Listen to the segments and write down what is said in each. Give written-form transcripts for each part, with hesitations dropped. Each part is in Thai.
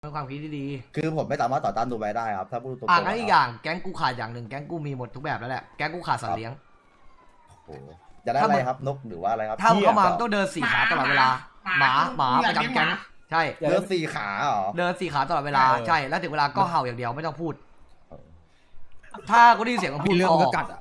เป็นความคิดที่ดีคือผมไม่สามารถต่อต้านดูไบได้ครับถ้าพูดตรงๆงั้นอีกอย่างแก๊งกูขาดอย่างหนึ่งแก๊งกูมีหมดทุกแบบแล้วแหละแก๊งกูขาดสัตว์เลี้ยงโอ้โหจะได้อะไรครับนกหรือว่าอะไรครับถ้ามึงเข้ามาต้องเดินสี่ขาตลอดเวลาหมาประจำแก๊งใช่เดินสี่ขาเหรอเดินสี่ขาตลอดเวลาใช่แล้วถึงเวลาก็เห่าอย่างเดียวไม่ต้องพูดถ้ากูได้ยินเสียงมันพูดเรื่องก็กัด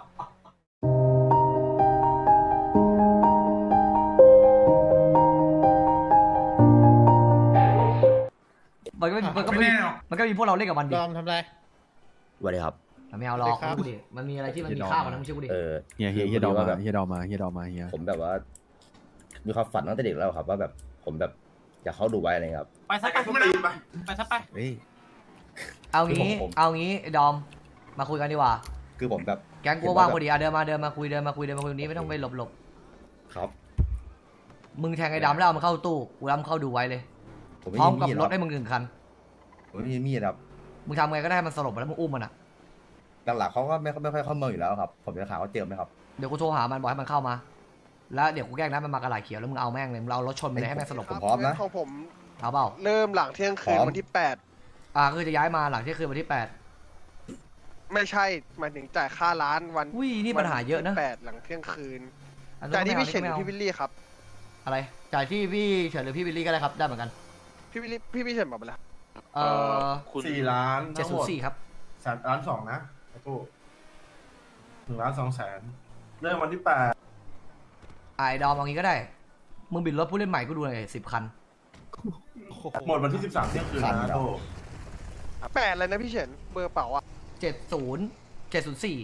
มันก็มีพวกเราเล่นกับมันดิดอมทำไรสวัสดีครับไม่เอาหรอกพูดดิมันมีอะไรที่มันมีค่ากว่านั้นไม่ใช่กูดิเฮียดอมมาเฮียดอมมาผมแบบว่ามีความฝันตั้งแต่เด็กแล้วครับว่าแบบผมแบบอยากเข้าดูไบอะไรครับไปซะไปซะไปเอางี้ดอมมาคุยกันดีกว่าคือผมแบบแก๊งกูว่างพอดีเดินมาคุยนี้ไม่ต้องไปหลบครับมึงแทงไอ้ดำแล้วเอามันเข้าตู้กูรับเข้าดูไว้เลยพร้อมกับรถให้มึง1 คันผมไม่มีมีดครับมึงทำไงก็ได้มันสลบแล้วมึงอุ้มมันอ่ะหลักๆเขาก็ไม่ค่อยเข้าเมืองอยู่แล้วครับผมจะถามว่าเจอไหมครับเดี๋ยวกูโทรหามันบอกให้มันเข้ามาแล้วเดี๋ยวกูแกล้งนะมันมากระไหล่เขียวแล้วมึงเอาแม่งเลยมึงเอารถชนไปเลยให้แม่งสลบผมพร้อมนะของผมเอาเปล่าเริ่มหลังเที่ยงคืนวันที่8 คือจะย้ายมาหลังเที่ยงคืนวันที่ 8ไม่ใช่หมายถึงจ่ายค่าร้านวันอุ้ยนี่ปัญหาเยอะนะ 8หลังเที่ยงคืนจ่ายที่พี่เฉินหรือพี่วิลลี่ครับอะไรจ่ายที่พี่เฉินหรือพี่วิลลี่ก็ได้ครับได้เหมือนกันพี่วิลลี่พี่เฉินบอกไปแล้ว 4 ล้าน 704ครับ 3 ล้าน 2นะไอ้ตู้1 ล้าน 2 แสนเริ่มวันที่ไอ้ดอมเอางี้ก็ได้มึงบิดรถผู้เล่นใหม่กูดูหน่อย10 คัน 8หมดวันที่13เที่ยงคืนนะตู้ 8อะไรนะพี่เฉินเบอร์เป๋าอ่ะ 704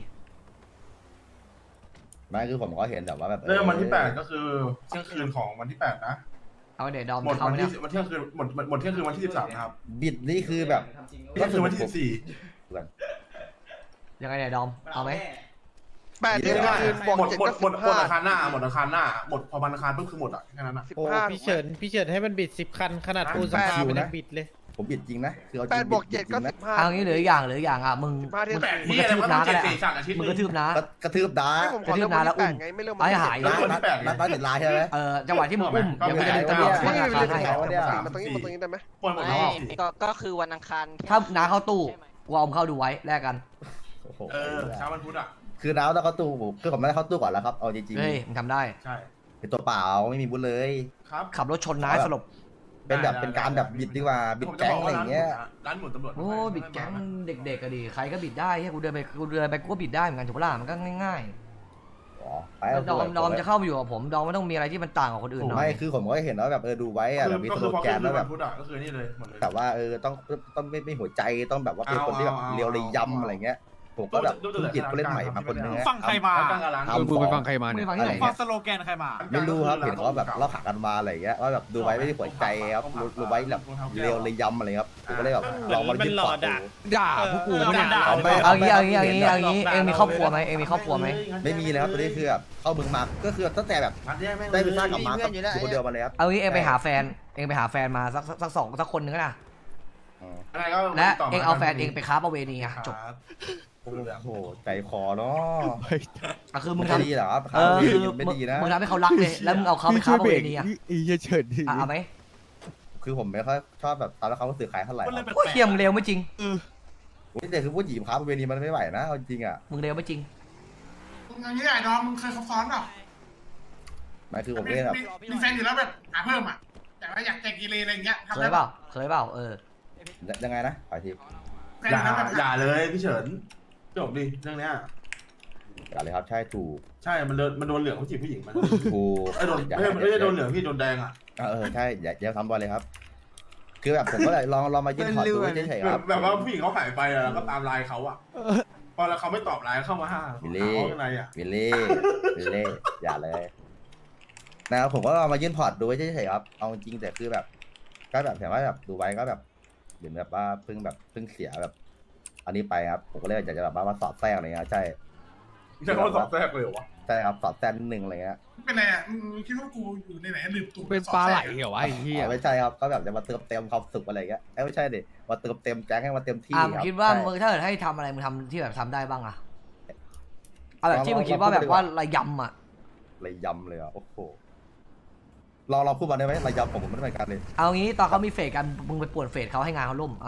ไม่คือผมก็เห็นแบบว่าแบบเริ่มวันที่8ก็คือเที่ยงคืนของวันที่8นะเอาเดี๋ยวดอมหมดวันที่เที่ยงคืนหมดเที่ยงคืนวันที่13นะครับบิดนี่คือแบบก็คือวันที่ยังไงเนี่ยดอมเอาไหม 8เที่ยงคืนบวก7ก็หมดอาคารหน้าหมดพอวันอาคารปุ๊บคือหมดอ่ะแค่นั้นอ่ะ 15พี่เฉินให้มันบิด10 คันขนาดปูนสภามันยังบิดเลยผมบิดจริงนะคือเอา 8บวก7ก็15 เอางี้เหลืออย่างมึงกระทืบน้าก็ได้มึงกระทืบน้ากระทืบน้ากระทืบน้าแล้วอุ้มไอ้หายนัดติดลายใช่ไหมจังหวะที่มึงอุ้มเดี๋ยวมึงจะดึงตำรวจมาตรงนี้ได้ไหมก็คือวันอังคารถ้าน้าเข้าตู้กูเอาเข้าดูไว้แลกกันเช้าวันพุธอ่ะคือน้าต้องเข้าตู้คือผมไม่ได้เข้าตู้ก่อนแล้วครับเอาจริงๆเฮ้ยมึงทำได้ใช่เป็นตัวเปล่าไม่มีบุญเลยครับขับรถชนน้าสลบเป็นแบบเป็นการแบบบิดดีกว่าบิดแก๊งอะไรอย่างเงี้ยร้านหมุนตำรวจโอ้บิดแก๊งเด็กๆก็ดีใครก็บิดได้แค่กูเดินไปกูก็บิดได้เหมือนกันถูกปะล่ะมันก็ง่ายๆดอมจะเข้าไปอยู่กับผมดอมไม่ต้องมีอะไรที่มันต่างกับคนอื่นหน่อยไม่คือผมก็เห็นว่าแบบดูไว้อะแบบมีสโลแกนแล้วแบบก็คือนี่เลยแต่ว่าต้องไม่หัวใจต้องแบบว่าเป็นคนที่แบบเรียวเลยย้ำอะไรเงี้ยผมก็แบบจิตเล่นใหม่มาคนนึงฟังใครมามึงไปฟังใครมาเนี่ยฟังสโลแกนใครมาไม่รู้ครับเห็นเขาแบบเล่าขากันมาอะไรเงี้ยว่าแบบดูไว้ไม่ได้หัวใจครับดูไว้แบบเรียวเลยย้ำอะไรครับผมก็เลยแบบลองมายึดปอดด่าพวกกูไม่ด่าเอางี้เองมีครอบครัวไหมไม่มีเลยครับตอนนี้คือแบบเข้าเมืองมาก็คือตั้งแต่แบบได้ไปสร้างกับมาก็คนเดียวมาเลยครับเอางี้เองไปหาแฟนมาสักคนนึงนะและเองเอาแฟนเองไปค้าประเวณีจบโอ้โหใจคอเนาะคือมึงทำดีเหรอไม่ดีนะมึงทำให้เขารักเลยแล้วมึงเอาเขาไปค้าประเวณีเฉินดิเอาไหมคือผมไม่ค่อยชอบแบบตอนแล้วเขาสื่อขายเท่าไหร่โอ้ยเทียมเร็วไม่จริงแต่คือผู้หญิงค้าประเวณีมันไม่ไหวนะจริงอ่ะมึงเร็วไม่จริงมึงอย่างนี้ไอ้ดอมมึงเคยซ้อนหรอไม่คือผมเล่นแบบมีแฟนอยู่แล้วแบบหาเพิ่มอ่ะแต่ว่าอยากแจกกีเลอะไรเงี้ยเคยเปล่ายังไงนะขอทีอย่าเลยพี่เฉินจบดิเรื่องนี้อย่าเลยครับใช่ถูกใช่มันโดนเหลืองเขาจีบผู้หญิงมันถูกโดนไม่ได้โดนเหลืองพี่โดนแดงอ่ะใช่อย่าทำบอลเลยครับคือแบบผมก็เลยลองมายื่นถอดดูเฉยๆครับแบบว่าผู้หญิงเขาหายไปแล้วก็ตามไลน์เขาอ่ะพอแล้วเขาไม่ตอบไลน์เข้ามาวิลลี่อย่าเลยนะครับผมก็ลองมายื่นพอร์ตดูเฉยๆครับเอาจริงแต่คือแบบก็แบบแต่ว่าแบบดูไว้ก็แบบเหมือนแบบว่าเพิ่งเสียแบบอันนี้ไปครับผมก็เลยอยากจะแบบว่าสอดแทรกอะไรเงี้ยใช่เขาสอดแทรกเลยเหรอวะใช่ครับสอดแทรกนิดนึงอะไรเงี้ยเป็นไงอ่ะมึงคิดว่ากูอยู่ในไหนลืมตัวเป็นปลาไหลเหรอวะไอ้เหี้ยไม่ใช่ครับก็แบบจะมาเติมเต็มความสุขอะไรเงี้ยไม่ใช่ดิมาเติมเต็มแจ้งให้มาเต็มที่ครับคิดว่ามึงถ้าเกิดให้ทำอะไรมึงทำที่แบบทำได้บ้างอะเอาแบบที่มึงคิดว่าแบบว่าระยำอะระยำเลยอ่ะโอ้โหเราพูดมาได้ไหมระยำผมไม่ได้เหมือนกันเลยเอางี้ตอนเขามีเฟสกันมึงไปป่วนเฟสเขาให้งานเขาล่มอ่ะ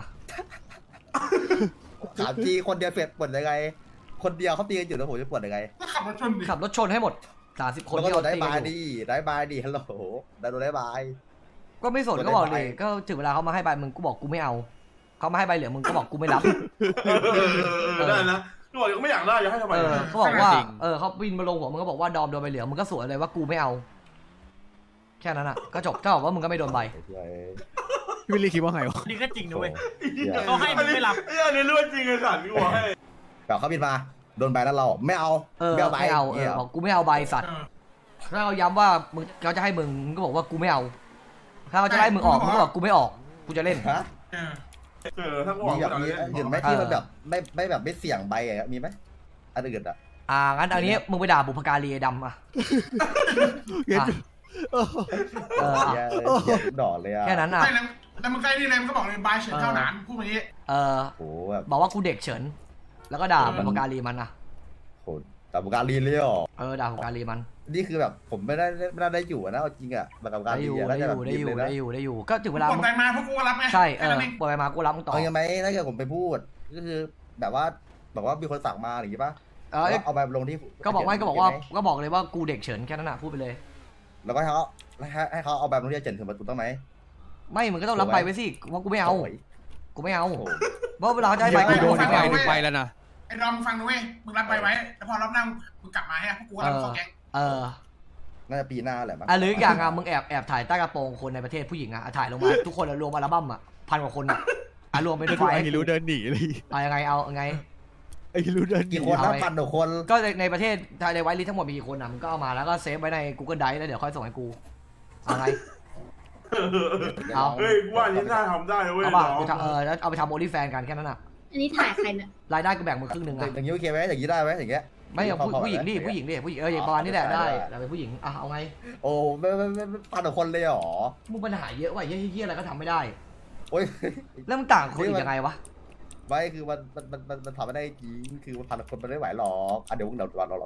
ถามจีคนเดียวเฟดปวดยังไงคนเดียวเขาตีกันอยู่แล้วผมจะปวดยังไงก็ขับรถชนดิขับรถชนให้หมด30 คนแล้วก็ที่โดเรานได้ตีบากัยนอยู่ดีได้บายดีฮัลโหลได้โดนได้บายก็ไม่สนโดนก็บอกได้ดิใบก็ถึงเวลาเขามาให้ใบมึงกูบอกกูไม่เอาเขามาให้ใบเหลืองมึงก็บอกกูไม่รับได้นะก็บอกยังไม่อยากได้อยากให้ทำไมเขาบอกว่าเขาบินมาลงหัวมึงก็บอกว่าดอมโดนใบเหลืองมึงก็สวนเลยว่ากูไม่เอา แค่นั้นอ่ะก็จบถ้าบอกว่ามึงก็ไม่โดนใบพี่วิลลี่คิดว่าไงวะนี่ก็จริงนะเว้ยเขาเขาให้มึงไม่รับไอ้อันนี้เรื่องจริงไอ้สัตว์กูบอกให้แบบเขาบินมาโดนใบแล้วเราไม่เอาไม่เอาเนี่ยบอกกูไม่เอาใบสัตว์ถ้าเขาย้ำว่ามึงเขาจะให้มึงมึงก็บอกว่ากูไม่เอา ถ้าเขาจะให้มึงออกมึงก็บอกกูไม่ออกกูจะเล่นฮะถ้ากูบอกมีแบบกูนี้จะเล่นอื่นไหมที่มันแบบไม่แบบไม่เสี่ยงใบอ่ะมีไหมอันอื่นอ่ะงั้นอันนี้มึงไปด่าบุพการีไอ้ดำอ่ะเงี้ยเหี้ยดอกเลยอ่ะแค่นั้นอ่ะใช่แล้วมึงใกล้นี่เลยมึงก็บอกเลยบายเฉินเท่านั้นพูดแบบนี้โอ้แบบบอกว่ากูเด็กเฉิน แล้วก็ด่าบุพการีมันอ่ะโหแต่บุการีเลยหรอด่าบุพการีมันนี่คือแบบผมไม่ได้อยู่นะเอาจริงอ่ะแบบการได้ีอยู่น่าจะแบบได้ยิ้มอยู่เลยนะได้อยู่ก็ถึงเวลากดไปมาพวกกูก็รับไงใช่แค่นั้นเองปล่อยมากูรับมึงต่อเอายังไงถ้าเกิดผมไปพูดก็คือแบบว่ามีคนสั่งมาอย่างงี้ป่ะเอาไปลงที่ก็บอกเลยว่ากูเด็กเฉินแค่นั้นนะพูดไปเลยแล้วก็ให้เขาเอาแบบลงที่เจนถึงประตูต้องไหมไม่มึงก็ต้องรับใบไว้สิเพราะกูไม่เอาโยกูไม่เอาเพราะเวลาเขาจะให้ใบไปกูโดโดนนไปหนึ่งใบแล้วนะไอ้ดอมฟังนะเว้ยมึงรับไปไว้แล้วพอรอบหน้ามึงกลับมาให้พวกกูก็รับเข้าแก๊งน่าจะปีหน้าแหละมั้งหรืออย่างมึงแอบถ่ายใต้กระโปรงคนในประเทศผู้หญิงถ่ายลงมาทุกคนรวมอัลบั้ม1,000 กว่าคนรวมเป็นแล้วไฟดูล์ไอ้ฮิรุเดินหนีเลยยังไงเอาไงไอ้ฮิรุเดินหนีกี่คนนะ1,000 กว่าคนก็ในประเทศในไวท์ลิสต์ทั้งหมดมีกี่คนมึงก็เอามาแล้วก็เซฟไว้ใน Google Drive แล้วเดี๋ยวค่อยส่งให้กูเอาไง เอาเฮ้ยกูว่าอันนี้น่าทำได้เว้ยเอาป่ะแล้วเอาไปทำโอลิแฟนกันแค่นั้นอ่ะอันนี้ถ่ายใครเนี่ยรายได้กูแบ่งมึงครึ่งนึงอ่ะอย่างนี้โอเคไหมอย่างนี้ได้ไหมอย่างเงี้ยไม่เอาผู้หญิงดิอย่างประมาณนี้แหละได้แต่เป็นผู้หญิงเอาไงโอ้ไม่1,000 กว่าคนเลยหรอมึงปัญหาเยอะว่ะเฮี้ยอะไรก็ทำไม่ได้โอ้ยแล้วมึงต่างคนอีกยังไงวะไม่คือมันทำไม่ได้จริงคือ1,000 คนมันไม่ไหวหรอกเดี๋ยวเราทำ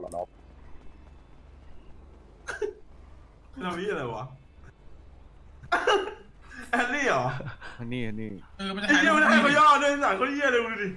นี่อะไรวะแอนนี่เหรออันนี้มันจะไอ้ถ่ายเหี้ยมันให้เขาย่อด้วยสั่งเขาเหี้ยเลยดูดิ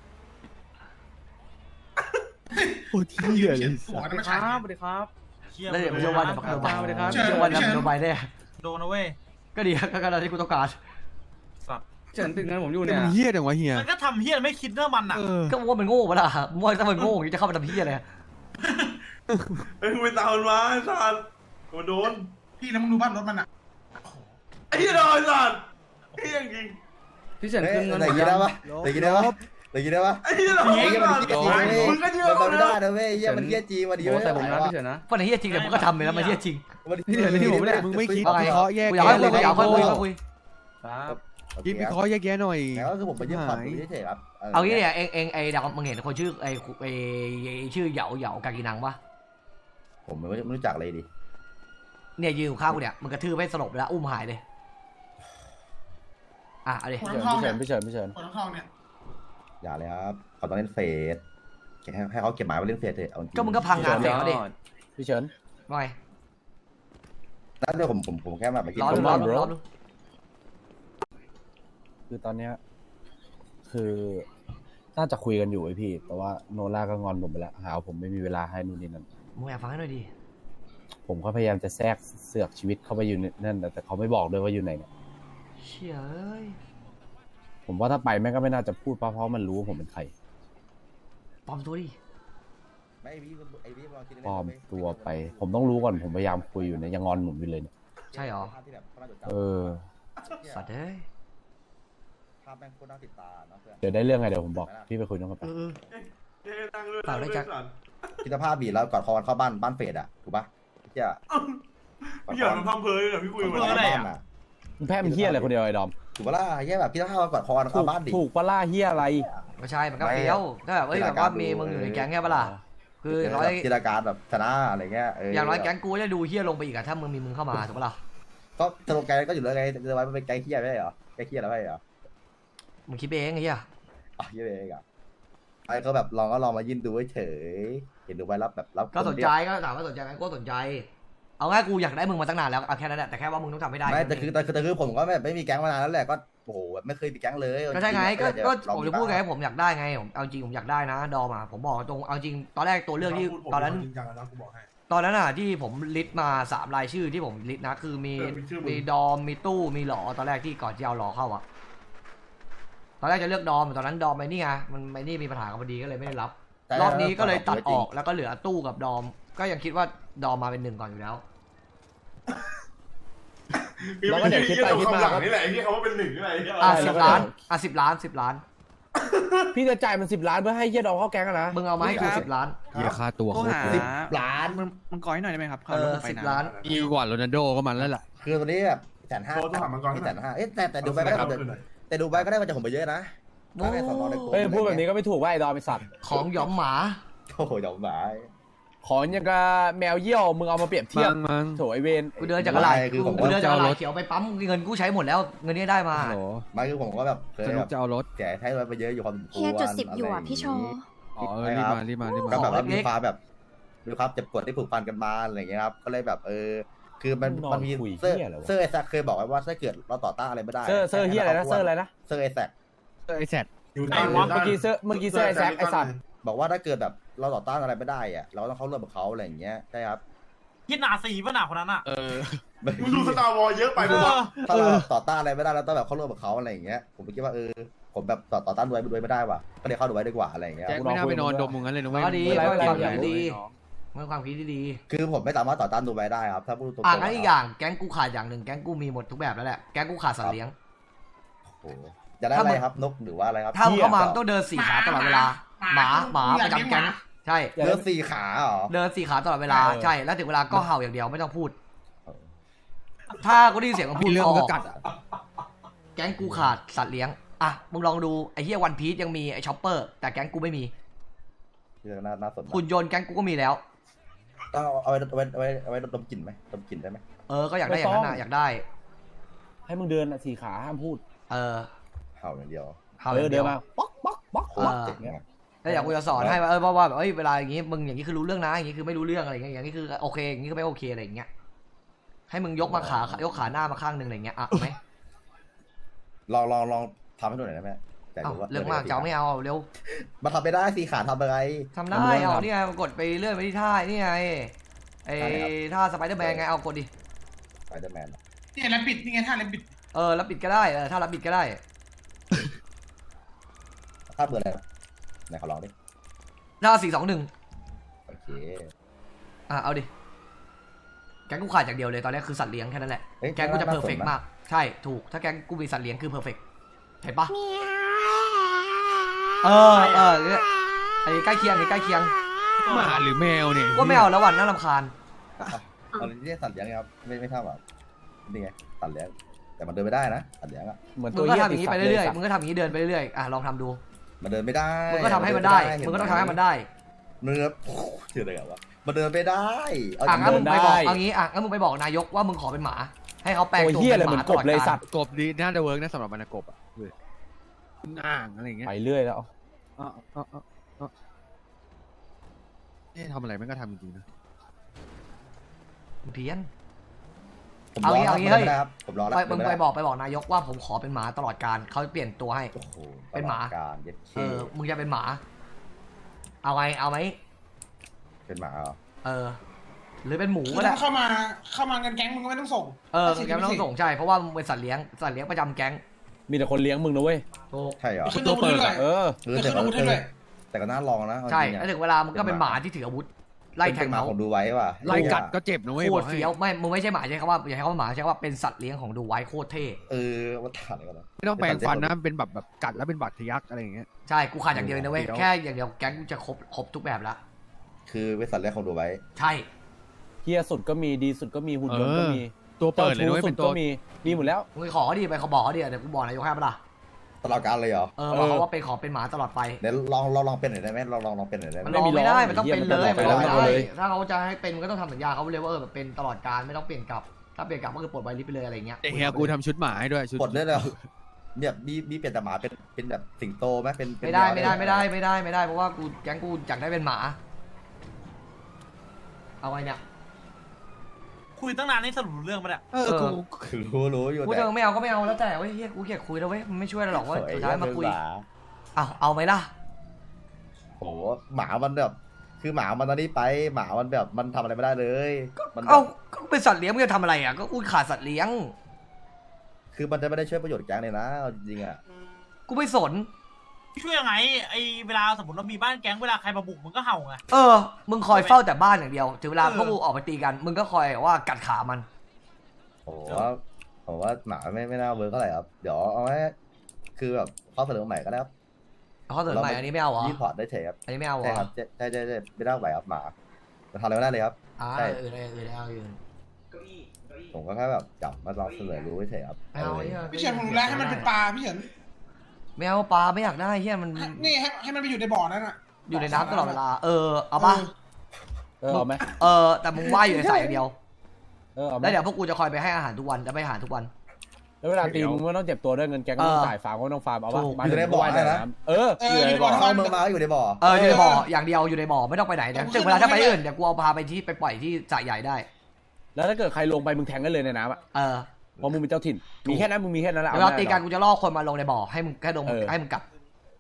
โอ้ที่เหี้ยเลยหัวสนั่นวัมันสใช่ดีครับสวัสดีครับแล้วเดี๋ยวมันจะวันเดี๋ยวพักโดนใบสวัสดีครับจะวันโดนใบแน่โดนนะเว้ยก็ดีก็การที่กูต้องการสัตว์เฉินติดเงินผมอยู่แต่เนี่ยมันเหี้ยจังวะเฮียมันก็ทำเฮียไม่คิดเรื่องมันอ่ะก็ว่ามันโง่ปะล่ะว่าถ้ามันโง่จะเข้ามาทำเฮี้ยอะไรเฮ้ยกูไปตามมันมาไอ้สัตว์มันโดนพี่แล้วมึงดูบ้านรถมันอ่ะไอ้เหี้ยโดนไอ้สัตว์ไอ้เหี้ยจริงพี่เฉินขึ้นเงินอย่างนี้ได้ปะอย่างนี้ได้ปะอย่างนี้ได้ปะไอ้เหี้ยโดนไอ้เหี้ยมันเหี้ยจริงมึงก็เชื่อมันเลไม่ยได้นะเว้ยเหี้ยมันเหี้ยจริงวันนี้โอ้ใส่ผมนะพี่เฉินนะเพราะในเฮี้ยจริงแต่มึงก็ทำไปแล้วมันเฮี้ยจริงพี่เฉินที่ผมไม่ได้มึงไม่คิดเอาไงวิเคราะห์แยกกูอแยะยากให้คุยอยากให้คุยครับคิดวิเคราะห์แยกแยะหน่อยแล้วก็คือผมไปยื่นผ่อนดูเฉยๆครับเอางี้เนี่ยเองไอ้ดาวมึงเห็นคนชื่อไอ้ชื่อเหยากากินังปะผมไม่รู้จักเลยดิเนี่ยยืนอยู่ข้างกูเนี่ยมันกระทืบให้สลบแล้วอุ้มหายเลยเอาดิหัวน้ำทองเนี่ยพี่เฉินหัวน้ำทองเนี่ยอย่าเลยครับเขาต้องเล่นเฟสให้เขาเก็บหมายไว้เล่นเฟสเถอะเอาจริงก็มึงก็พังงานเสร็จแล้วดิพี่เฉินว่าไงนั่นเดี๋ยวผมแค่แบบไปกินร้อนส้มร้อนตำร้อนคือตอนเนี้ยคือน่าจะคุยกันอยู่ไอพี่ แต่ว่าโนล่าก็งอนผมไปแล้วหาว่าผมไม่มีเวลาให้นู่นนี่นั่นมึงแอบฟังให้หน่อยดิผมก็พยายามจะแทรกเสือกชีวิตเข้าไปอยู่ในนั่นแต่เขาไม่บอกด้วยว่าอยู่ไหนเนี่ยเชี่ยเอ้ยผมว่าถ้าไปแม่งก็ไม่น่าจะพูดเพราะมันรู้ว่าผมเป็นใครปลอมตัวดิไม่ไอ้พี่ลองคิดปลอมตัวไป ผมต้องรู้ก่อนผมพยายามคุยอยู่เนี่ยยังงอนผมอยู่เลยเนี่ยใช่หรอเออสัตว์เอ้ยภาพแม่งโคตรน่าติดตาเนาะเพื่อนเดี๋ยวได้เรื่องไงเดี๋ยวผมบอกพี่ไปคุยน้องกันไปฝากด้วยจ๊ะคิดสภาพบีแล้วกอดคอกันเข้าบ้านเฟดอ่ะถูกปะเจ้าพี่หยอดมันพังเพยเลยพี่คุยเพื่มาออะไรอ่ะมึงแพ้เป็นเฮียอะไรคนเดียวไอ้ดอมถูกปะล่ะแย่แบบคิดสภาพกอดคอกันเข้าบ้านดิถูกปะล่าเฮียอะไรไม่ใช่มันก็เฟี้ยวถ้าแบบแบบว่ามีมึงอยู่ในแก๊งแค่ปะล่ะคืออย่างน้อยจินตนาการแบบชนะอะไรเงี้ยอย่างน้อยแก๊งกูจะดูเฮี้ยลงไปอีกอะถ้ามึงมีมึงเข้ามาถูกปะล่ะก็สโลแกนก็อยู่แล้วไงจะไว้มันเป็นไกด์เคียไม่ใช่เหรอไกด์เคียแล้วไม่ใช่เหรอมึงคิดเองไอ้เหี้ยอ๋อเคียเองอ่ะไอ้ก็แบบลองมายื่นดูเฉยเห็นดูไว้รับแบบรับก็สนใจก็ถามว่าสนใจไหมก็สนใจเอาง่ายกูอยากได้มึงมาตั้งนานแล้วเอาแค่นั้นแหละแต่แค่ว่ามึงต้องทำให้ได้ไม่แต่คือผมก็แบบไม่มีแก๊งมานานแล้วแหละก็โอ้โหแบบไม่เคยมีแก๊งเลยก็ใช่ไงก็เดี๋ยวผมลจะองพูดไงบ้างผมอยากได้ไงผมเอาจริงผมอยากได้นะดอมอ่ะผมบอกตรงเอาจริงตอนแรกตัวเลือกที่ตอนนั้นจริงจังแล้วกูบอกให้ตอนนั้นอ่ะที่ผมลิสต์มา3 รายชื่อที่ผมลิสต์นะคือมีเป็นชื่อมึงมีดอมมีตู้มีหลอตอนแรกที่ก่อนที่เอาหลอเข้าอ่ะตอนแรกจะเลือกดอมตอนนั้นดอมไอ้นี่ไงมันไอ้นี่มีปัญหากับพอดีก็เลยไม่ได้รับแต่รอบนี้ก็เลยตัดออกจริงแล้วก็เหลือตู้กับดอม ก็ยังคิดว่าดอมมาเป็น1ก่อนอยู่แล้วเราก็เดี๋ยวคิดไปคิดมาหลังนี่แหละไอ้ที่เขาว่าเป็น1นี่แหละไอ้ที่อ่ะใช่ 10 ล้านอ่ะ10 ล้าน10 ล้านพี่จะจ่ายมัน10 ล้านเพื่อให้เฮียดองเข้าแก๊งอะนะมึงเอามาให้กู10 ล้านเฮียค่าตัวโทรโคตรหาเยสิบอะล้านมันก้อยหน่อยได้ไหมครับเออ10 ล้านดีกว่าโรนัลโดก็มันแล้วล่ะคือตัวนี้แบบ150,000 โทรหามันก่อน 150,000เอ๊ะแต่ดูไปก็ได้แต่ดูไปก็ได้มาจากผมไปเยอะนะโอ้ถ้าได้สอนอในกลุ่มเฮ้ยพูดแบบนี้ก็ไม่ถูกว่าไอ้ดอมไอ้สัตว์ของหยอมหมาโอ้โหยอมหมายของอย่างกับแมวเยี่ยวมึงเอามาเปรียบเทียบมั้งโถไอเวนกูเดินจากกระไรคือผมกูเดินจากกระไรจะเอารถเขียวไปปั๊มเงินกูใช้หมดแล้วเงินที่ได้มาโหไม่คือผมก็แบบเคยสนุแบกบจะเอารถแจกให้ไว้ไปเยอะอยู่พอสมควรเฮียจุด10อยู่อ่ะพี่โชว์อ๋อรีบมารีบมารีบก็มาแบบว่าเล็มีกๆความแบบมีความเจ็บปวดที่ผูกพันกันมาอะไรอย่างเงี้ยครับก็เลยแบบคือมันมีเซอร์ไอแซคเคยบอกไว้ว่าถ้าเกิดเราต่อต้านอะไรไม่ได้เซอร์เฮียอะไรนะเซอร์อะไรนะเซอร์ไอแซคไอ้แซดอยู่ไอ้วะเมื่อกี้เซอร์ไอ้แซคไอ้สัตว์บอกว่าถ้าเกิดแบบเราต่อต้านอะไรไม่ได้อะเราต้องเข้าร่วมกับเขาอะไรอย่างเงี้ยใช่ครับคิดหนาสีป่ะหนาคนนั้นอ่ะมึงดูสตาร์วอลเยอะไปปะวะถ้าเราต่อต้านอะไรไม่ได้เราต้องแบบเข้าร่วมกับเขาอะไรอย่างเงี้ยผมคิดว่าผมแบบต่อต้านด้วยไม่ได้ว่ะก็เลยเข้าด้วยดีกว่าอะไรอย่างเงี้ยแจ็คไม่น่าไปนอนดมมึงงั้นเลยนะเว้ยก็ดีไม่ก็เป็นไรความไม่คิดเป็นไรดีมันความคิดดีคือผมไม่สามารถต่อต้านดูไบได้ครับถ้าพูดตรงๆอ่ะงั้นอีกอย่างแก๊งกูขาดอย่างหนึ่งแก๊งกูมีหมดทุกแบบแล้วแหละแก๊งกูขาดสัตว์เลี้ยงโอ้โหจะได้อะไรครับนกหรือว่าอะไรครับถ้ามึงเข้ามามึงต้องเดิน4 ขาตลอดเวลาหมาประจำแก๊งใช่เดิน4 ขาเหรอเดิน4 ขาตลอดเวลาใช่แล้วถึงเวลาก็เห่าอย่างเดียวไม่ต้องพูด ถ้ากูได้ยินเสียงมึงพูมีดเรื่องอก็อกกัดอ่ะแก๊งกูขาดสัตว์เลี้ยงอ่ะมึงลองดูไอ้เฮียวันพีซยังมีไอ้ช็อปเปอร์แต่แก๊งกูไม่มีเรื่องน่าสนหุ่นยนต์แก๊งกูก็มีแล้วต้องเอาไว้ดมกลิ่นไหมดมกลิ่นได้ไหมก็อยากได้อย่างนั้นน่ะอยากได้ให้มึงเดิน4 ขาห้ามพูดเออเห่าอย่างเดียวเห่าอเดิย่าน งเดียวมาป๊อกป๊อกป๊อกโคป๊อกตรเจ๋งอะแล้วอยากกูจะสอนให้ว่าว่าแบบเวลาอย่างงี้มึงอย่างนี้คือรู้เรื่องนะอย่างนี้คือไม่รู้เรื่องอะไรอย่างเงี้ยอย่างนี้คือโอเคอย่างนี้คือไม่โอเคอะไรอย่างเงี้ยให้มึงยกมาขายกขาหน้ามาข้างหนึ่งอะไรอย่างเงี้ยอ่ะเอาไหมลองทำให้ดูหน่อยได้ไหมแต่เอาดูว่าเรื่องมากจะเอาไม่เอาเร็วมาทำไปได้4 ขาทำอะไรทำได้เอานี่ไงกดไปเรื่อยไปที่ท่านี่ไงไอ้ท่าสไปเดอร์แมนไงเอากดดิสไปเดอร์แมนนี่แล้วปิดนี่ไงท่าแล้วปิดแล้วปิดก็ได้ถ้ารับปิดก็ได้ถ้าเบอร์อะไรไหนขอลองดิท่า4-2-1 โอเคเอาดิแก๊งกูขาดอย่างเดียวเลยตอนนี้คือสัตว์เลี้ยงแค่นั้นแหละเอ้ยแก๊งกูจะน่าเพอร์เฟกสนนะมากใช่ถูกถ้าแก๊งกูมีสัตว์เลี้ยงคือเพอร์เฟกเห็นปะเนี่ยไอ้ใกล้เคียงหมาหรือแมวเนี่ยว่าไม่เอาแล้ววันน่ารำคาญเอาเรียกสัตว์เลี้ยงครับไม่ทราบอ่ะนี่ไงสัตว์เลี้ยงแต่มันเดินไม่ได้นะสัตว์เลี้ยงอ่ะเหมือนมึตัวงก็เฮียทำอย่างนี้ไปติดเรื่อยสัตๆว์มึงก็ทำอย่างนี้เดินไปเรื่อยๆลองทำดูมันเดินไม่ได้มึงก็ทำให้มันได้มึงก็ต้องทำให้มันได้เนื้อเชื่อได้ไงวะมันเดินไม่ได้เอางั้นมึงไปบอกได้เอางี้งั้นมึงไปบอกนายกว่ามึงขอเป็นหมา ให้เขาแปลงโอ้ยตัวเฮียเป็เลยนเหหมือมาน ตกลบอดเลยกาสัรตว์กบดีน่าจะเวิร์กนะสำหรับมันกบอ่ะอ่างอะไรอย่างเงี้ยไปเรื่อยแล้วทำอะไรมันก็ทำจริงๆนะเพี้ยนผมเอารงี้อเอางี้แล้วเฮ้ยครับผมรอแล้วมึงไปบอกนายกว่าผมขอเป็นหมาตลอดการเขาเปลี่ยนตัวให้โอ้โหเป็นหมาการเย็ดเคมึงจะเป็นหมา เอาไงเอาไหมเป็นหมาเหรอหรือเป็นหมูคือก็ได้ถ้าเข้ามาเงินแก๊งมึงก็ไม่ต้องส่งแกไม่ต้องส่งใช่เพราะว่ามึงเป็นสัตว์เลี้ยงประจำแก๊งมีแต่คนเลี้ยงมึงนะเว้ยถูกใช่เหรอขึ้นตัวเปิดเลยเออขึ้นอาวุธให้ด้วยแต่ก็น่าลองนะใช่จริงๆแล้วอะถึงเวลามึงก็เป็นหมาที่ถืออาวุธไล่แทงเป็นหมาเขาของดูไว้ว่ะไล่กัดก็เจ็บนะเว้ยโคบอตกรให้เฟี้ยวไม่มึงไม่ใช่หมาใช่คำว่าอย่าใช้คำว่าหมาใช้คำว่าเป็นสัตว์เลี้ยงของดูไว้โคตรเท่ว่าถ่านอะไรกันนะไม่ต้องแปลงฟันนะเป็นแบบกัดแล้วเป็นบาดทะยักอะไรอย่างเงี้ยใช่กูขาดอย่างเดียวเลยนะเว้ยเดี๋ยวแค่อย่างเดียวแก๊งกูจะครบทุกแบบละคือเป็นสัตว์เลี้ยงของดูไว้ใช่เฮียสุดก็มีดีสุดก็มีหุ่นยนต์ก็มีตัวเปิดเลยนะเว้ยสุเป็ดนตัก็วมีหมดแล้วมึงขอเขาดิไปเขาบอกเขาดิเดี๋ยวกูบอกนายกให้ปะล่ะตลอดการเลยเหรอบอกเขาว่าเป็นขอเป็นหมาตลอดไปเดี๋ยวลองเป็นหน่อยได้ไหมลองเป็นหน่อยได้ไหมมันลองไม่ได้มันต้องเป็นเลยไม่มันมีลล้อองไม่ไม่ได้เอาเลยถ้าเขาจะให้เป็นมันก็ต้องทำสัญญาเขาเลยว่าแบบเป็นตลอดการไม่ต้องเปลี่ยนกลับถ้าเปลี่ยนกลับก็คือปลดใบลิสต์ไปเลยอะไรเงี้ยแต่เฮียกูทำชุดหมาให้ด้วยชุดปลดได้เลยเนี่ยมีเปลี่ยนแต่หมาเป็นแบบสิงโตไหมเป็นไม่ได้เพราะว่ากูแก๊งกูอยากได้เป็นหมาเอาไงเนี่ยคุยตั้งนานนี่สรุปรู้เรื่องปะเนี่ยรู้อยู่กูแต่จะไม่เอาก็ไม่เอาแล้วแต่เว้ยเฮียกูเกลียดคุยแล้วเว้ยมันไม่ช่วยเราหรอกว่าสุดท้ายมาคุยเอาไหมล่ะโหหมามันแบบคือหมามันตอนนี้ไปหมามันแบบมันทำอะไรไม่ได้เลยมันเอาก็เป็นสัตว์เลี้ยงมึงจะทำอะไรอ่ะก็กูขาดสัตว์เลี้ยงคือมันจะไม่ได้ช่วยประโยชน์แก๊งเลยนะเอาจริงๆอ่ะกูไม่สนช่วยยังไงไอเวลาสมมติเรามีบ้านแก๊งเวลาใครมาบุกมึงก็เห่าไงมึงคอยเฝ้าแต่บ้านอย่างเดียวถึงเวลาพวกกูออกไปตีกันมึงก็คอยว่ากัดขามันผมว่าหมาไม่น่าเวิร์กเท่าไหร่ครับเดี๋ยวเอาไว้คือแบบข้อเสนอใหม่ก็ได้ครับเขาเสนอใหม่อันนี้ไม่เอาเหรอยื่นพอร์ตได้เฉยครับอันนี้ไม่เอาเหรใช่อครับใช่ไม่ได้ไหวครับหมาจะทำอะไรไม่ได้เลยครับ ใช่เอาอื่นผมก็แค่แบบจับมาลองเสนอรู้เฉยครับไม่เอาพี่เฉินผมรู้แล้วให้มันเป็นปลาพี่เฉินไม่เอาปลาไม่อยากได้เฮียมันนี่ให้มันไปอยู่ในบ่อนั่นน่ะอยู่ในน้ำตลอดเวลาเอาป่ะเอาไหมแต่มึงว่ายอยู่ในสายอย่างเดียวเอาไหมแล้วเดี๋ยวพวกกูจะคอยไปให้อาหารทุกวันจะไปอาหารทุกวันแล้วเวลาตีมึงไม่ต้องเจ็บตัวด้วยเงินแกก็ต้องจ่ายฟาร์มก็ต้องฟาร์มเอาป่ะถูกมาอยู่ในบ่อนะอยู่ในบ่อเข้าเมืองมาอยู่ในบ่ออยู่ในบ่ออย่างเดียวอยู่ในบ่อไม่ต้องไปไหนเดี๋ยวถึงเวลาถ้าไปอื่นเดี๋ยวกูเอาพาไปที่ไปปล่อยที่สระใหญ่ได้แล้วถ้าเกิดใครลงไปมึงแทงกันเลยในน้ำอ่ะเพราะมึงเป็นเจ้าถิ่นมีแค่นั้นมึงมีแค่นั้นแหละเวลาตีกันกูจะล่อคนมาลงในบ่อให้มึงแค่ลงให้มึงกลับ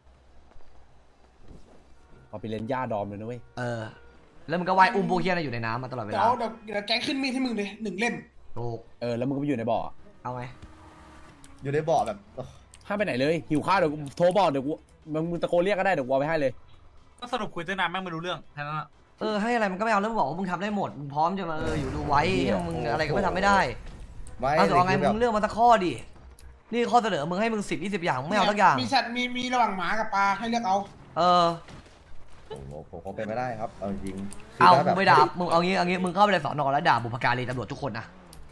พอไปเล่นหญ้าดอมเลยนะเว้ยแล้วมึงก็ว่ายอุ้มพวกเฮียน่ะอยู่ในน้ำมาตลอดเวเดี๋ลายวแก๊งขึ้นมีดให้มึงเลย1 เล่มถูกแล้วมึงก็ไปอยู่ในบ่อเอาไงอยู่ในบ่อแบบห้ามไปไหนเลยหิวข้าวเดี๋ยวกูโทรบอกเดี๋ยวกูมึงตะโกนเรียกก็ได้เดี๋ยวกูเอาไปให้เลยก็สรุปคุยตั้งนานแม่งไม่รู้เรื่องแค่นั้นอะให้อะไรมันก็ไม่เอาแล้วมึงบอกว่ามึงทำได้หมดมึงพร้อมจะมาอยู่ดูไว้มึงอะไรก็ไม่ทำไม่ได้ไม่เอาแต่ว่าไงคือมึงเลือกมาสักข้อดินี่ข้อเสนอมึงให้มึง10-20อย่างมึงไม่เอาสักอย่างมีสัตว์มีระหว่างหมากับปลาให้เลือกเอาผมคงเป็นไม่ได้ครับเอาจริงมึงไปด่ามึงเอางี้มึงเข้าไปในสอนอแล้วด่าบุพการีตำรวจทุกคนนะ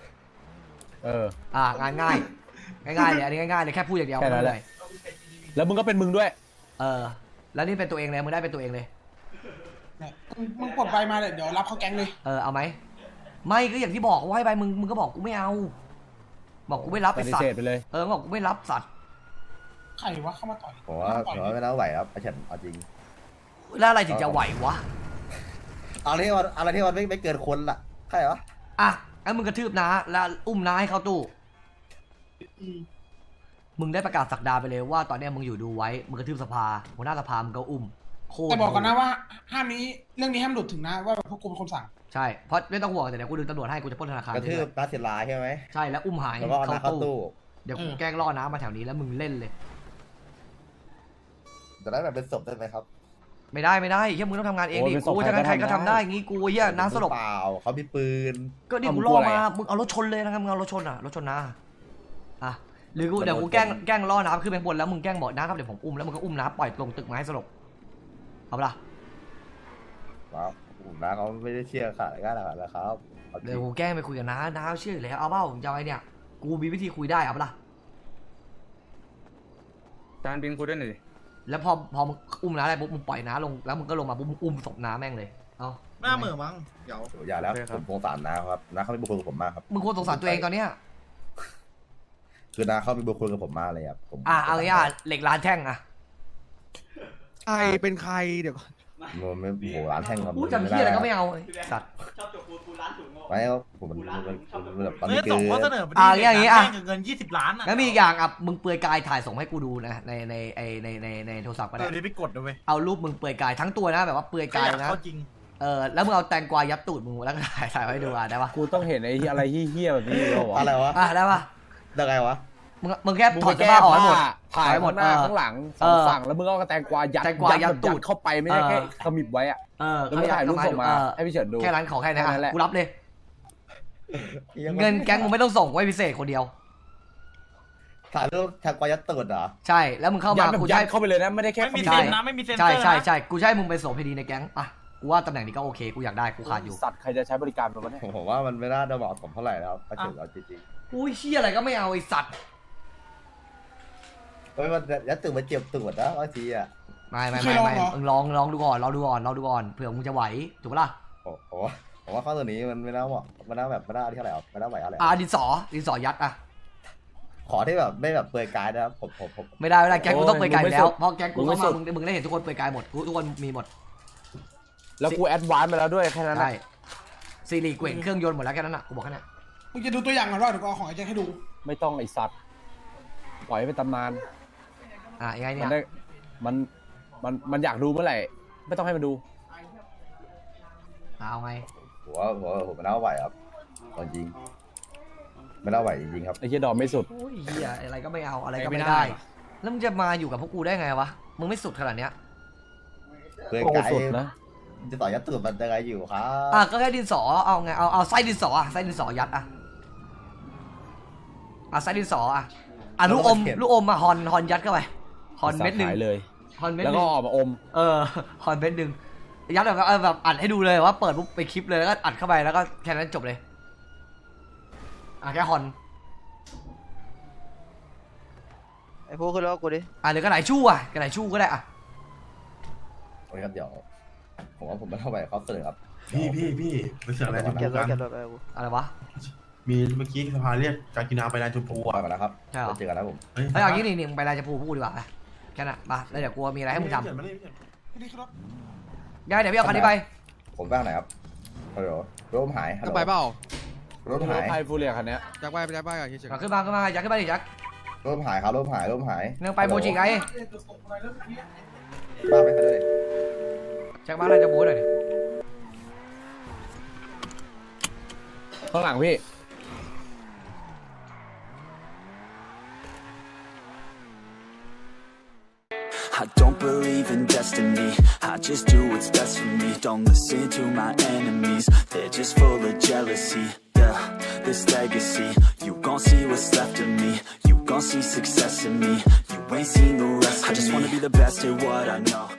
งานง่ายเลยอันนี้ง่ายๆเลยแค่พูดอย่างเดียวแค่นั้นแหละ แล้วมึงก็เป็นมึงด้วยแล้วนี่เป็นตัวเองเลยมึงได้เป็นตัวเองเลยเนี่ยมึงปลดใบมาเลยเดี๋ยวรับเข้าแก๊งเลยเอาไหมไม่ก็อย่างที่บอกว่าให้ไปมึงก็บอกกูไม่เอาบอกกูไม่รับปไอ้ฏิสัตเสธว์ไปเลยบอกกูไม่รับสัตว์ใครวะเข้ามาต่อยผมว่าไม่น่าไหวครับไอ้เฉินเอาจริงแล้วอะไรถึงจะไหววะอะไรที่มันไม่เกินคนล่ะใช่เหรองั้นมึงกระทืบน้าแล้วอุ้มน้าให้เข้าตู้มึงได้ประกาศสักดาไปเลยว่าตอนนี้มึงอยู่ดูไว้มึงกระทืบสภาหัวหน้าสภามึงก็อุ้มโคตรแต่บอกก่อนนะว่าห้ามเรื่องนี้ห้ามหลุดถึงนะว่าพวกกูเป็นคนสั่งใช่เพราะไม่ต้องห่วงแต่เดี๋ยวกูดึงตำรวจให้กูจะปล้นธนาคารกระทืบตาเสียลายใช่ไหมใช่แล้วอุ้มหายแล้วก็เอาน้าเข้าตู้เดี๋ยวกูแกล้งล่อน้ามาแถวนี้แล้วมึงเล่นเลยจะได้แบบเป็นศพได้ไหมครับไม่ได้เฮียมึงต้องทำงานเองดิกูจะใครก็ทำได้งี้กูเฮียน้าสลบเปล่าเขามีปืนก็นี่กูล่อมามึงเอารถชนเลยนะครับมึงเอารถชนรถชนน้าหรือกูเดี๋ยวกูแกล้งล่อน้ำขึ้นไปบนแล้วมึงแกล้งบอกน้าครับเดี๋ยวผมอุ้มแล้วมึงก็อุ้มน้าปล่อยลงตึกไม้สลบเอาปะล่ะครับผมน้าเขาไม่ได้เชื่อขาดง่ายขนาดนั้นครับเดี๋ยวกูแกล้งไปคุยกับน้าเชื่ออยู่แล้วเอาเปล่าผมจะเอาไอ้เนี่ยกูมีวิธีคุยได้เอาปะล่ะจานบินคุยด้วยหน่อยดิแล้วพอมึงอุ้มน้าได้ปุ๊บมึงปล่อยน้าลงแล้วมึงก็ลงมาปุ๊บมึงอุ้มศพน้าแม่งเลยเอาหน้าเหม่อมั้งเดี๋ยวอย่าแล้วผมสงสารน้าครับน้าเขาไม่บุคคลกับผมมากครับมึงควรสงสารตัวเองตอนเนี้ยคือน้าเขามีบุคคลกับผมมากเลยครับผมเอางี้เหล็กร้านแท่งใครเป็นใครเดี๋ยวก่อนมันไม่โหร้านแท่งครับพูดจำที่อะไรก็ไม่เอาสัตว์ไม่ครับผมมันแบบตอนนี้ส่งคือข้อเสนอไปอย่างงี้แจ้งเงิน20 ล้านอ่ะงั้นมีอีกอย่างมึงเปลือยกายถ่ายส่งให้กูดูนะในโทรศัพท์ก็ได้เดี๋ยวไปกดด้วยเอารูปมึงเปลือยกายทั้งตัวนะแบบว่าเปลือยกายนะเขาจริงแล้วมึงเอาแตงกวายัดตูดมึงแล้วก็ถ่ายไว้ดูได้ปะกูต้องเห็นไอ้อะไรเฮี้ยๆแบบนี้เหรอวะอะไรวะได้ปะได้ไงวะมึงแค่ถอดเสื้อผ้าออกให้หมดถ่ายหมดหน้าข้างหลังสองฝั่งแล้วมึงก็เอาแตงกวายัดตูดเข้าไปไม่ได้แค่ขมิบไว้อะแล้วมึงถ่ายรูปส่งมาให้พี่เฉินดูแค่นั้นขอแค่นั้นแค่นั้นแหละกูรับเลย เงินแก๊งมึงไม่ต้องส่งไว้พิเศษคนเดียวถ่ายรูปแท็กกวายัดตูดเหรอใช่แล้วมึงเข้ายัมาดแบบกูยัใช้ดเข้าไปเลยนะไม่ได้แค่ไม่มีขเซ็บนนะไม่มีเซ็นเตอร์ใช่กูใช้มึงเป็นโสเภณีในแก๊งกูว่าตำแหน่งนี้ก็โอเคกูอยากได้กูขาดอยู่สัตว์ใครจะใช้บริการมันวะเนี่ยผมว่ามันไม่น่าจะเหมาะสมเท่าไหร่แล้วถ้าเกิดเราจริงอุ้ยเชี่ยอะไรก็ไม่เอาไอสัตว์ๆมันยัดตูดมาเจ็บตูดนะบางทีอ่ะไม่มึงลองดูก่อนเผื่อมึงจะไหวถูกปะล่ะผมว่าข้อตัวนี้มันไม่น่าเหมาะมันน่าแบบไม่น่าที่เท่าไหร่ครับไม่น่าไหวอะไรดินสอยัดขอที่แบบไม่แบบเปลือยกายนะครับผมไม่ได้แก๊งกูต้องเปลือยกายอยู่แล้วเพราะแก๊งกูเข้ามามึงได้เห็นทุกคนเปลือยกายหมดทุกคนมีหมดแล้วกูแอดวานซ์ไปแล้วด้วยแค่นั้นใช่ซีรีส์เกว่งเครื่องยนต์หมดแล้วแค่นั้นอ่ะกูบอกแค่นั้นมึงจะดูตัวอย่างก่อนว่าเดี๋ยวกูเอาของไอ้แจ็คให้ดูไม่ต้องไอสัตว์ปล่อยให้เป็นตำนานยังไงมัเนี่ยได้มันอยากดูเมื่อไหร่ไม่ต้องให้มันดูเอาไงผมไม่น่าไหวครับจริงไม่น่าไหวจริงๆครับไอ้เหี้ยดอมไม่สุดโอ้ยเหี้ยอะไรก็ไม่เอาอะไรก็ไม่ไม่ได้ได้ แล้วมึงจะมาอยู่กับพวกกูได้ไงวะมึงไม่สุดขนาดเนี้ยเพื่อนโอ้ไกสุดนะจะต่อยัดตูดมันยังไงอยู่ครับก็แค่ดินสอเอาไงเอาไส้ดินสอไส้ดินสอยัดไส้ดินสอลูกอมฮอนยัดเข้าไปฮอนเม็ดหนึ่งขายเลยฮอนเม็ดแล้วหนึ่ก็งออกมาอมฮอนเม็ดหนึ่งยัดแบบอัดให้ดูเลยว่าเปิดปุ๊บไปคลิปเลยแล้วก็อัดเข้าไปแล้วก็แค่นั้นจบเลยแค่ฮอนไอ้พวกขึ้นรถกูดิหรือกระไหนชู่กระไหนชู่ก็ได้โอเคครับเดี๋ยวผมว่าผมไม่น่าไหวเขาเสนอครับพี่ไปเสือกอะไรชมเก็พูบรถกันเก็บรถไปกูอะไรวะมีเมื่อกี้สภาเรียกการกินน้ำไปแลนด์ชมพูปล่อยมาแล้วครับใช่เหรอเจอกันแล้วผมเฮ้ยเอางี้นี่มึงไปรายจะพูดดีกว่าไปแค่นั้นมาแล้วเดี๋ยวกูมีอะไรให้มึงทำไม่ได้ไม่ได้นี่คือรถได้เดี๋ยวพี่เอาคันนี้ไปผมบ้างไหนครับฮัลโหลรถผมหายฮัลจะโหลไปเปล่ารถผมหายไฮฟูเรียคันเนี้ยจะไปกับเฉยขึ้นมายักขึ้นมาดิยักรถผมหายครับรถผมหายนึงไปโมจิไงบ้าไปเลยแจ็คมาอะไรจะบู๊หน่อยดิข้างหลังพี่ I don't believe in destiny, I just do what's best for me. Don't listen to my enemies, they're just full of jealousy. Yeah, this legacy, you gon' see what's left of me. You gon' see success in me, you ain't seen the rest of me. I just wanna be the best at what I know.